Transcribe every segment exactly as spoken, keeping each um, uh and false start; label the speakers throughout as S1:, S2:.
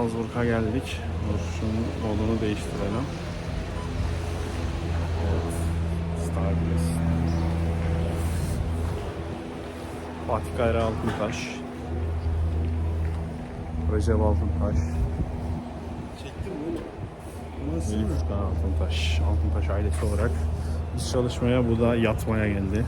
S1: Salzburg'a geldik. Dur şunun modunu değiştirelim. Evet. Starbiz. Fatih Kayra Altıntaş. Recep Altıntaş.
S2: Çektim bunu. Nasıl?
S1: Elif Furkan Altıntaş. Altıntaş ailesi olarak biz çalışmaya, bu da yatmaya geldi.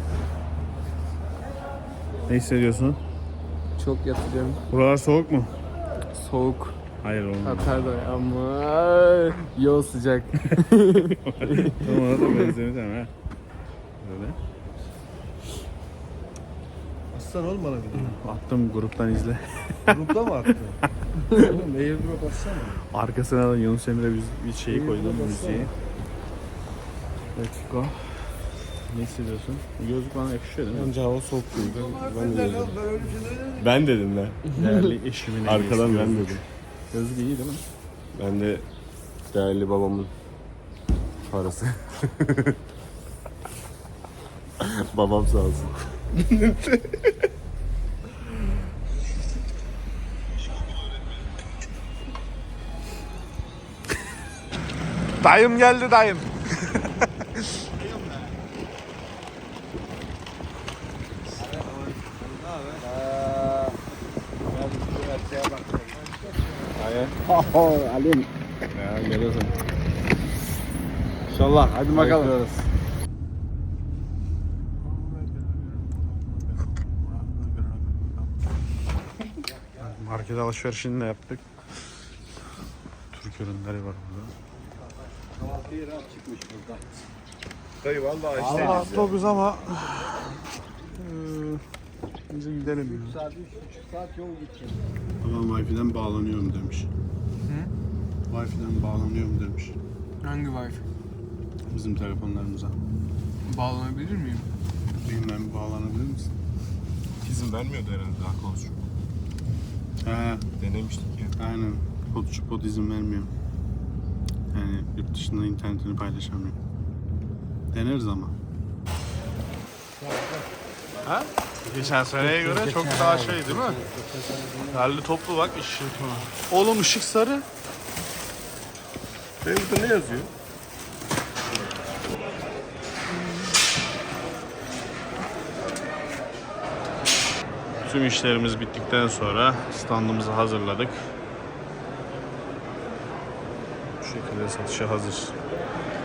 S1: Ne hissediyorsun?
S2: Çok yatacağım.
S1: Buralar soğuk mu?
S2: Soğuk.
S1: Hayır olmadı.
S2: Pardon ama yol sıcak.
S1: Tam ona da benzemeyeceğim ha. Böyle.
S3: Aslan ol bana bir de.
S1: Attım, gruptan izle.
S3: Grupta mı attın? Oğlum airdrop atsana.
S1: Arkasına da Yunus Emre bir, bir şeyi koydum,
S3: Eyvallah,
S1: müziği. Let's go. Ne hissediyorsun? Bu gözlük bana yakışıyor değil mi?
S4: Bence hava soğuk değil. Ben de dedim.
S3: Ben öyle bir şey dedim.
S4: Ben dedim lan.
S1: Değerli eşimin
S4: Arkadan
S1: hediyesi
S4: ben
S1: gözlük.
S4: dedim.
S1: Gözlük iyi değil mi?
S4: Ben de değerli babamın parası. Babam sağ olsun.
S3: Dayım geldi dayım.
S1: Alim. Ya geliyorsun.
S3: İnşallah hadi bakalım.
S1: Bekliyoruz. Market alışverişini de yaptık. Türk ürünleri var burada.
S4: Dayı vallahi
S1: Allah otobüs ama biz gidelim.
S3: üç saat, üç buçuk saat yol gideceğiz.
S1: Babam Wi-Fi'den bağlanıyorum demiş.
S2: Hı?
S1: Wi-Fi'den bağlanıyorum demiş.
S2: Hangi wifi?
S1: Bizim telefonlarımıza.
S2: Bağlanabilir miyim?
S1: Bilmem, bağlanabilir misin?
S4: izin vermiyordu herhalde daha konuşuyor.
S1: He,
S4: Denemiştik ya.
S1: aynen. Kodçu kod izin vermiyor. Yani yurt dışında internetini paylaşamıyor. Deneriz ama. Ha? Geçen seneye göre çok daha şey değil mi? Derli toplu bak ışık. Oğlum ışık sarı.
S4: Benim burada ne yazıyor?
S1: Tüm işlerimiz bittikten sonra standımızı hazırladık. Bu şekilde satışa hazır.